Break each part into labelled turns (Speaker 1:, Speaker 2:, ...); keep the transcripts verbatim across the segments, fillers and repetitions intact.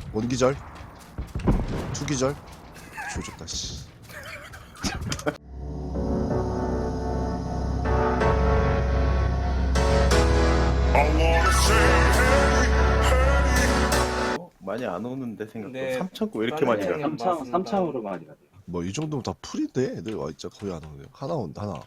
Speaker 1: 원기절 투기절 조졌다 씨.
Speaker 2: 어? 많이 안 오는데 생각보다.
Speaker 3: 네.
Speaker 2: 삼천구 왜 이렇게 많이 가?
Speaker 3: 맞습니다.
Speaker 4: 삼창 삼창으로 많이 가요.
Speaker 1: 뭐 이 정도면 다 풀인데 애들 와 진짜 거의 안 오네요. 하나 온다 하나.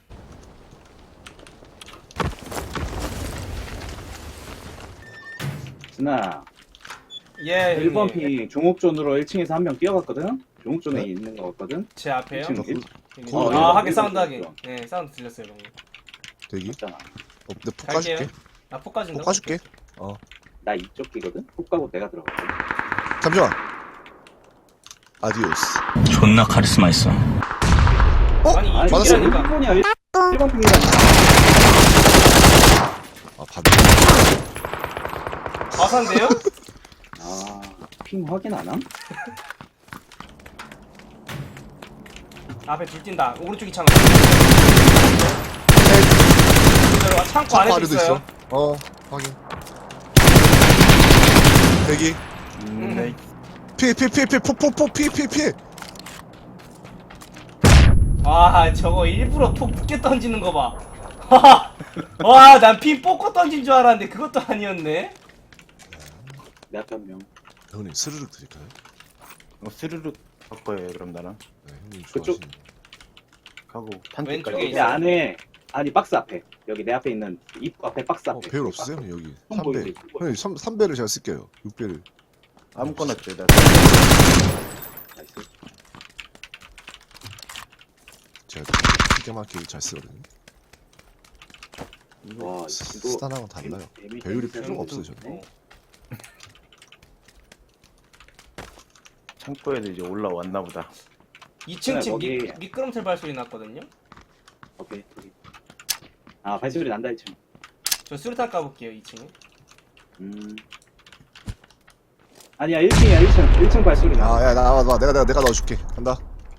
Speaker 4: 준아,
Speaker 3: 예,
Speaker 4: 일 번
Speaker 3: 형님.
Speaker 4: 핑 종옥존으로 일 층에서 한 명 뛰어갔거든? 종옥존에
Speaker 1: 네?
Speaker 4: 있는 거 같거든?
Speaker 3: 제 앞에요?
Speaker 4: 일 층
Speaker 1: 거-
Speaker 4: 일-
Speaker 3: 여기.
Speaker 1: 거-
Speaker 3: 아,
Speaker 4: 거-
Speaker 3: 하긴
Speaker 4: 이거
Speaker 3: 사운드 하긴.
Speaker 4: 있어.
Speaker 3: 네, 사운드 들렸어요, 방금.
Speaker 1: 대기.
Speaker 4: 있잖아.
Speaker 1: 어, 내폭
Speaker 3: 갈게요.
Speaker 1: 까줄게.
Speaker 3: 아, 폭까진다.
Speaker 1: 폭 까줄게. 어
Speaker 4: 나 이쪽 끼거든? 훅 가고 내가 들어갔거든?
Speaker 1: 잠시만. 아디오스.
Speaker 5: 존나 카리스마 있어.
Speaker 1: 어?
Speaker 3: 아니,
Speaker 4: 아니,
Speaker 1: 맞았어.
Speaker 3: 이쪽이라니까.
Speaker 4: 일 번이야. 일 번 핑이라니까.
Speaker 1: 아 반대.
Speaker 3: 과산데요?
Speaker 4: 아, 핑 확인 안 함?
Speaker 3: 앞에 둘 뛴다. 오른쪽 이창. 창고
Speaker 1: 창고
Speaker 3: 안에도
Speaker 1: 안에도
Speaker 3: 있어요.
Speaker 1: 있어. 어 확인. 대기.
Speaker 2: 음, 네.
Speaker 1: 피해 피해 피해 피해 폭폭폭 피해 피해 피해.
Speaker 3: 와, 저거 일부러 폭 늦게 던지는 거 봐. 와, 난 핀 뽑고 던진 줄 알았는데 그것도 아니었네.
Speaker 4: 내 앞에 한 명.
Speaker 1: 형님 스르륵 드릴까요?
Speaker 2: 어, 스르륵 바꿔요 그럼 나랑.
Speaker 1: 네 형님
Speaker 4: 그쪽-
Speaker 1: 좋아하시는.
Speaker 2: 가고
Speaker 3: 왼쪽에
Speaker 2: 탄지까지.
Speaker 4: 내
Speaker 3: 있어요.
Speaker 4: 안에, 아니, 박스 앞에. 여기 내 앞에 있는 입구 앞에 박스
Speaker 1: 어
Speaker 4: 앞에.
Speaker 1: 배율 없으세요 형님 여기?
Speaker 4: 형
Speaker 1: 삼 배.
Speaker 4: 보이지?
Speaker 1: 형님 삼, 삼 배를 제가 쓸게요. 육 배를.
Speaker 2: 아무거나 줘. 나
Speaker 4: 나이스.
Speaker 1: 제가 기가 막히게 잘 쓰거든요.
Speaker 4: 와, 이거
Speaker 1: 스탄하고 달라요.
Speaker 4: 데미-
Speaker 1: 배율이
Speaker 4: 데미지
Speaker 1: 필요가 없어요
Speaker 4: 세는
Speaker 1: 저는.
Speaker 3: 어.
Speaker 2: 창고에도 이제 올라왔나 보다.
Speaker 3: 이 층 집
Speaker 4: 거기-
Speaker 3: 미, 미끄럼틀 발소리 났거든요.
Speaker 4: 오케이, 오케이. 아, 발소리 난다, 이 층.
Speaker 3: 저 수류탄 까볼게요, 이 층에.
Speaker 4: 음. 아니야, 일 층이야, 일 층. 일 층 발소리 나.
Speaker 1: 아야 나와 나 내가 내가 내가 넣어줄게. 간다.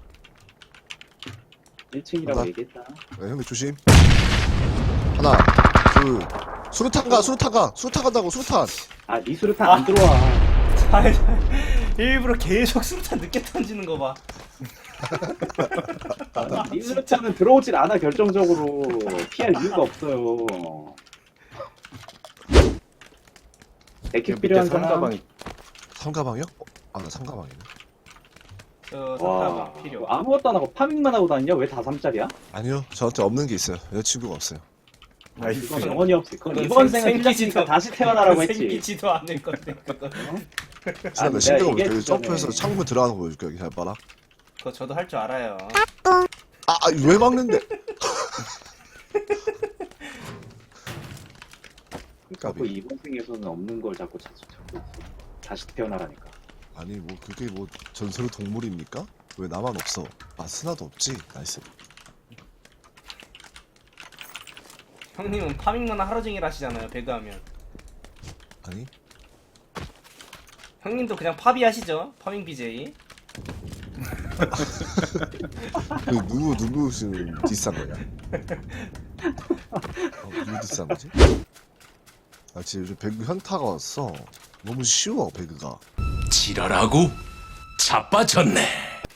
Speaker 4: 일 층이라고
Speaker 1: 간다.
Speaker 4: 얘기했다.
Speaker 1: 네, 형님 조심. 하나, 둘. 수류탄 가, 수류탄 가, 수류탄 간다고 수류탄.
Speaker 4: 아, 니 수류탄 안 들어와.
Speaker 3: 일부러 계속 수류탄 늦게 던지는 거 봐.
Speaker 4: 니 수류탄은 들어오질 않아, 결정적으로. 피할 이유가 없어요. 에킥 필요한 사람.
Speaker 2: 삼가방이
Speaker 1: 삼가방이요? 어, 아, 나 삼가방이네.
Speaker 3: 저
Speaker 4: 와,
Speaker 3: 삼타방 필요.
Speaker 4: 뭐 아무것도 안 하고 파밍만 하고 다니냐? 왜 다 삼 짜리야?
Speaker 1: 아니요, 저한테 없는 게 있어요. 여자친구가 없어요.
Speaker 2: 나이스.
Speaker 4: 그건 영원히 없어. 그건
Speaker 3: 그건
Speaker 4: 이번
Speaker 3: 생-
Speaker 4: 생은 틀렸으니까
Speaker 3: 생기지도-
Speaker 4: 다시 태어나라고 했지.
Speaker 3: 생기지도 않을 건데 그거.
Speaker 1: 지난 나
Speaker 4: 내가
Speaker 1: 신경
Speaker 4: 얘기했잖아.
Speaker 1: 그 점프해서 창문 들어가는 거 보여줄게. 여기 잘 봐라.
Speaker 3: 그거 저도 할 줄 알아요.
Speaker 1: 아, 아, 왜 막는데?
Speaker 4: 자꾸
Speaker 1: 까비.
Speaker 4: 이번 생에서는 없는 걸 자꾸 찾- 찾고 있어. 다시 태어나라니까.
Speaker 1: 아니 뭐 그게 뭐 전설의 동물입니까? 왜 나만 없어? 아 스나도 없지. 나이스.
Speaker 3: 형님은 파밍만 하루 종일 하시잖아요, 배그하면.
Speaker 1: 아니
Speaker 3: 형님도 그냥 파비 하시죠? 파밍 비제이.
Speaker 1: 그 누구 누구 지금 디스한 거냐? 어, 누구 디스한 거지? 아 지금 요즘 배그 현타가 왔어. 너무 쉬워 배그가.
Speaker 5: 지랄하고 자빠졌네.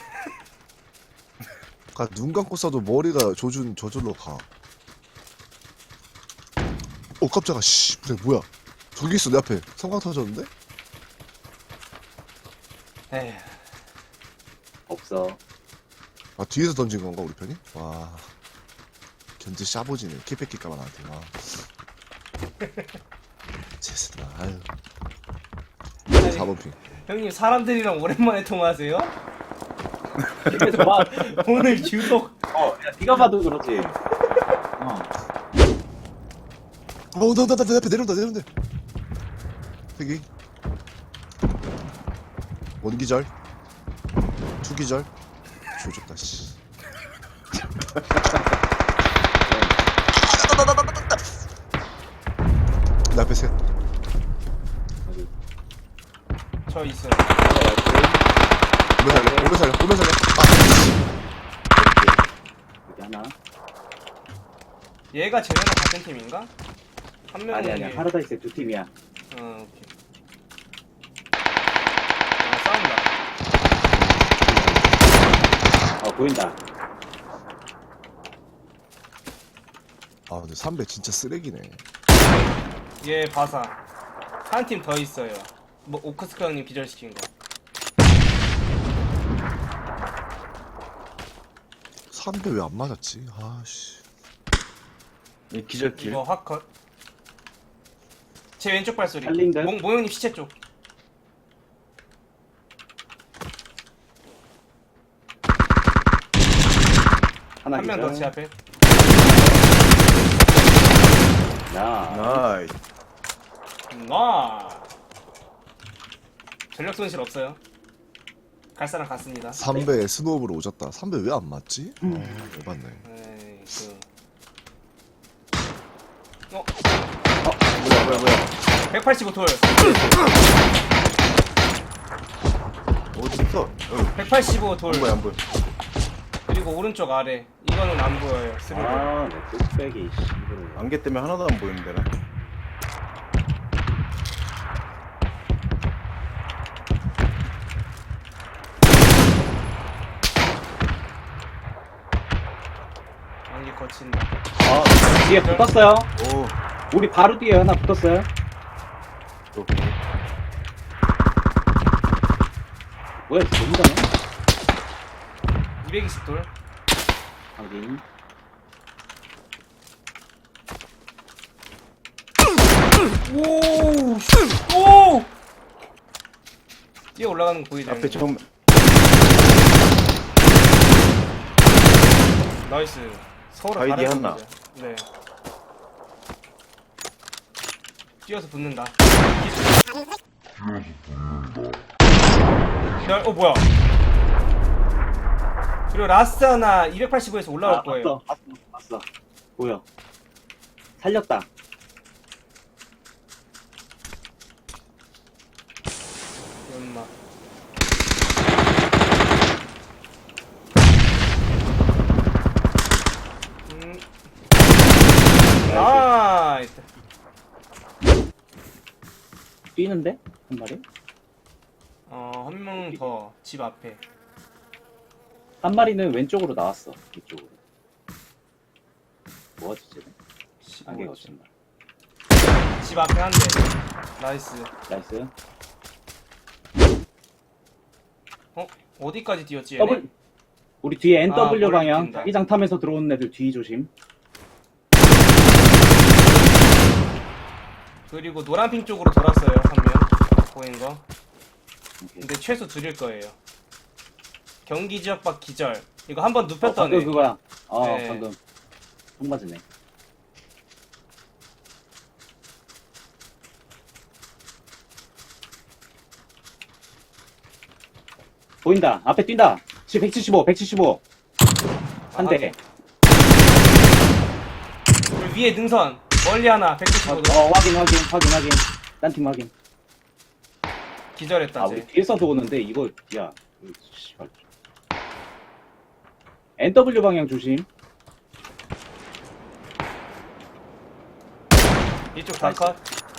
Speaker 1: 그러니까 눈 감고 써도 머리가 조준 저절로 가. 어 깜짝아 씨 그래 뭐야? 저기 있어 내 앞에 성광 터졌는데?
Speaker 3: 에휴.
Speaker 4: 없어.
Speaker 1: 아 뒤에서 던진 건가 우리 편이? 와 견제 샤보지네 키 뺏길까봐 나한테 와 제스나 아유
Speaker 3: 아니,
Speaker 1: 사 번 핑
Speaker 3: 형님 사람들이랑 오랜만에 통화하세요?
Speaker 4: 근데 저봐.
Speaker 3: 오늘 유독
Speaker 4: 어, 야, 네가 봐도 그렇지. 어.
Speaker 1: 어, 나, 나, 나, 내 앞에 내려온다, 내려온다. 여기. 원기절. 투기절. 조졌다, 씨. 내 앞에 셋.
Speaker 3: 저 있어요.
Speaker 1: 오면 살려, 오면 살려, 오면 살려. 아,
Speaker 4: 여기 하나.
Speaker 3: 얘가 쟤네랑 같은 팀인가? 한 명이
Speaker 4: 아니 아니야. 파라다이스의 두 팀이야.
Speaker 3: 어, 오케이.
Speaker 4: 보인다.
Speaker 1: 아 근데 삼배 진짜 쓰레기네.
Speaker 3: 얘 바사. 한 팀 더 있어요. 뭐 오크스카 형님 기절시킨 거.
Speaker 1: 삼배 왜 안 맞았지? 아씨.
Speaker 2: 이 기절킬.
Speaker 3: 이거 확 컷. 제 왼쪽 발소리.
Speaker 4: 살린 듯?
Speaker 3: 모, 모형님 시체 쪽.
Speaker 4: 하나
Speaker 3: 한 명 더 제 앞에.
Speaker 4: 야,
Speaker 2: 나이스.
Speaker 3: 나. 전력 손실 없어요. 갈 사람 갔습니다.
Speaker 1: 삼배 스노우볼 오졌다. 삼배 왜 안 맞지? 아, 왜 맞네.
Speaker 3: 에이, 그. 어,
Speaker 2: 뭐야 뭐야 뭐야.
Speaker 3: 백팔십오 돌.
Speaker 2: 어디 있어? 어.
Speaker 3: 백팔십오 돌.
Speaker 2: 안 보여 안 보여.
Speaker 3: 그리고 오른쪽 아래. 이거는 안 보여요. 스루.
Speaker 4: 아, 내 뚝배기 씨.
Speaker 2: 안개 때문에 하나도 안 보이는데 나.
Speaker 3: 안개 거친다.
Speaker 4: 아, 뒤에 붙었어요.
Speaker 2: 오.
Speaker 4: 우리 바로 뒤에 하나 붙었어요.
Speaker 2: 또.
Speaker 4: 뭐야, 너무 잘해.
Speaker 3: 이백이십 돌.
Speaker 4: 확인.
Speaker 3: 오! 씨. 오! 뛰어 올라가는 거 보이죠?
Speaker 2: 앞에 정.
Speaker 3: 나이스. 서로
Speaker 2: 바이디
Speaker 3: 다른
Speaker 2: 하나.
Speaker 3: 거죠. 네. 뛰어서 붙는다. 야, 어 뭐야? 그리고 라스트 하나 이백팔십오에서 올라올
Speaker 4: 아,
Speaker 3: 거예요.
Speaker 4: 봤어, 봤어, 봤어. 보여. 살렸다.
Speaker 3: 엄마. 음. 나이스.
Speaker 4: 뛰는데? 한 마리?
Speaker 3: 어, 한 명 더 집 앞에.
Speaker 4: 한 마리는 왼쪽으로 나왔어. 이쪽으로. 뭐하지, 쟤는? 안개
Speaker 3: 십오.
Speaker 4: 거친 말.
Speaker 3: 집 앞에 한 대. 나이스.
Speaker 4: 나이스.
Speaker 3: 어? 어디까지 뛰었지? 얘네?
Speaker 4: 더블. 우리 뒤에 엔더블유
Speaker 3: 아, 머리
Speaker 4: 방향.
Speaker 3: 뛴다.
Speaker 4: 자기장 타면서 들어오는 애들 뒤 조심.
Speaker 3: 그리고 노란핑 쪽으로 돌았어요. 한 명. 보인 거.
Speaker 4: 오케이.
Speaker 3: 근데 최소 줄일 거예요. 경기 지역 밖 기절. 이거 한 번
Speaker 4: 어,
Speaker 3: 눕혔던
Speaker 4: 방금
Speaker 3: 애.
Speaker 4: 그거야. 어,
Speaker 3: 네.
Speaker 4: 방금. 총 맞으네. 보인다. 앞에 뛴다. 지금 백칠십오, 백칠십오. 한
Speaker 3: 아,
Speaker 4: 대.
Speaker 3: 그리고 위에 능선. 멀리 하나. 백구십오 도.
Speaker 4: 어, 확인, 확인, 확인, 확인. 딴 팀 확인.
Speaker 3: 기절했다.
Speaker 4: 아,
Speaker 3: 쟤.
Speaker 4: 우리 뒤에서도 오는데, 이거, 야. 이거 씨발. 엔더블유 방향 조심.
Speaker 3: 이쪽 다 컷.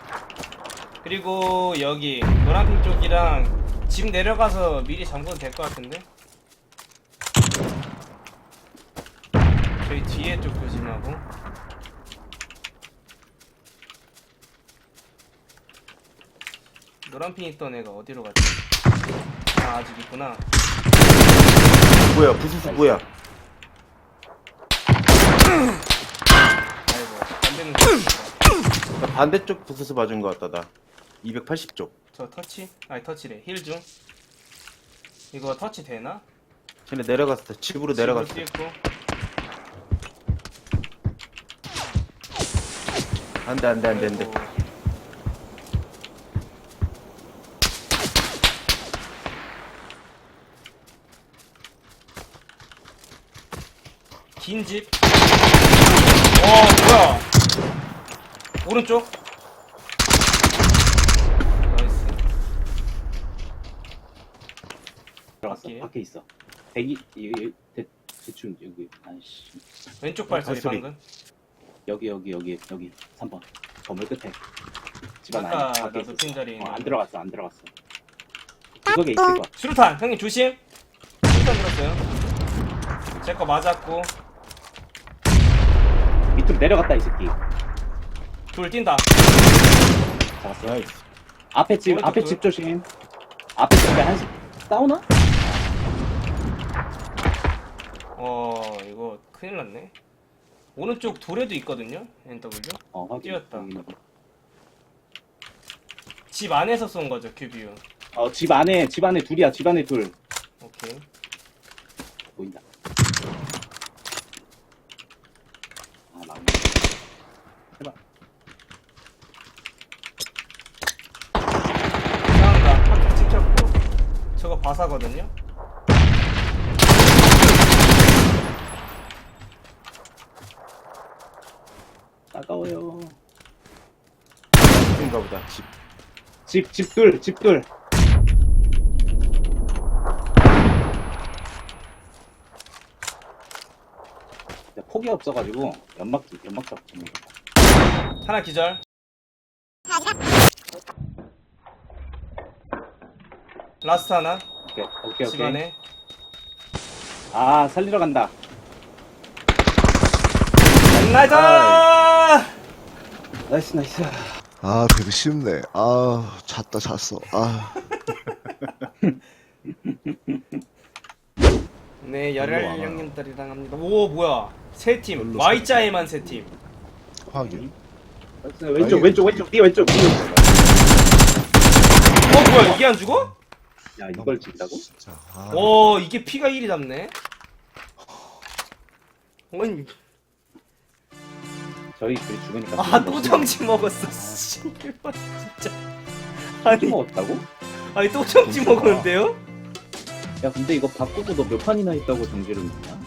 Speaker 3: 그리고 여기 노란핑 쪽이랑 집 내려가서 미리 잠궈도 될 것 같은데? 저희 뒤에 쪽 조심하고. 노란핑 있던 애가 어디로 갔지? 아, 아직 있구나.
Speaker 2: 뭐야 부수수 뭐야.
Speaker 3: 아이고, 안 되는 거 같습니다.
Speaker 2: 나 반대쪽 부수수 맞은 것 같다 나. 이백팔십 쪽.
Speaker 3: 저 터치? 아니, 터치래. 힐 중. 이거 터치 되나?
Speaker 2: 쟤네 내려갔어. 집으로 내려갔어.
Speaker 3: 집으로 뛰었고.
Speaker 2: 안돼 안돼 안돼 안돼.
Speaker 3: 아이고. 긴 집. 와, 뭐야? 오른쪽. 나이스.
Speaker 4: 들어갔어.
Speaker 3: 밖에.
Speaker 4: 밖에 있어. 대기, 여기, 대, 대충, 여기. 아이씨.
Speaker 3: 왼쪽 발소리
Speaker 2: 발소리.
Speaker 3: 방금.
Speaker 4: 여기, 여기, 여기, 여기. 삼 번. 건물 끝에. 집안 안에.
Speaker 3: 아까
Speaker 4: 밖에
Speaker 3: 나
Speaker 4: 있었어.
Speaker 3: 높인 자리에
Speaker 4: 어,
Speaker 3: 있는.
Speaker 4: 안 들어갔어, 안 들어갔어. 구석에 있을 거야.
Speaker 3: 수류탄 형님 조심. 수류탄 들었어요. 제 거 맞았고.
Speaker 4: 밑으로 내려갔다 이 새끼.
Speaker 3: 둘 뛴다.
Speaker 4: 잡았어.
Speaker 2: 나이스.
Speaker 4: 앞에 집
Speaker 3: 오른쪽
Speaker 4: 앞에
Speaker 3: 돌.
Speaker 4: 집 조심. 앞에 집에 한씩 싸우나?
Speaker 3: 어 이거 큰일 났네. 오른쪽 돌에도 있거든요. 엔더블유.
Speaker 4: 어 확인.
Speaker 3: 뛰었다.
Speaker 4: 여기는.
Speaker 3: 집 안에서 쏜 거죠 큐비유.
Speaker 4: 어, 집 안에 집 안에 둘이야. 집 안에 둘
Speaker 3: 오케이.
Speaker 4: 보인다. 아 막네. 해봐.
Speaker 3: 싸운다. 파트 찍혔고. 저거 바사거든요.
Speaker 4: 따가워요.
Speaker 2: 인가 보다. 집.
Speaker 4: 집 집둘 집둘. 폭이 없어가지고 연막 연막 잡는 거.
Speaker 3: 하나 기절. 라스트 하나.
Speaker 4: 오케이 오케이
Speaker 3: 집
Speaker 4: 오케이.
Speaker 3: 안에.
Speaker 4: 아 살리러 간다.
Speaker 3: 나이스!
Speaker 4: 나이스 나이스.
Speaker 1: 아 되게 쉽네. 아 잤다 잤어. 아
Speaker 3: 네,
Speaker 1: 별로
Speaker 3: 열혈
Speaker 1: 안 와요.
Speaker 3: 형님들이랑 합니다. 오, 뭐야? 세 팀.
Speaker 1: 별로
Speaker 3: Y자에만 세 팀.
Speaker 1: 확인.
Speaker 4: 나이스. 왼쪽 왼쪽 왼쪽 네 왼쪽. 네 왼쪽.
Speaker 3: 어, 뭐야? 이게 안 죽어?
Speaker 4: 야 이걸 진다고?
Speaker 1: 진짜. 아,
Speaker 3: 오, 이게 피가 일이 잡네. 아니,
Speaker 4: 저희 둘이 죽으니까.
Speaker 3: 아, 또 정지 먹었어. 씨발, 진짜. 아니,
Speaker 4: 먹었다고?
Speaker 3: 아니 또 정지 먹었는데요?
Speaker 4: 야 근데 이거 바꾸고 너 몇 판이나 있다고 정지를 먹냐?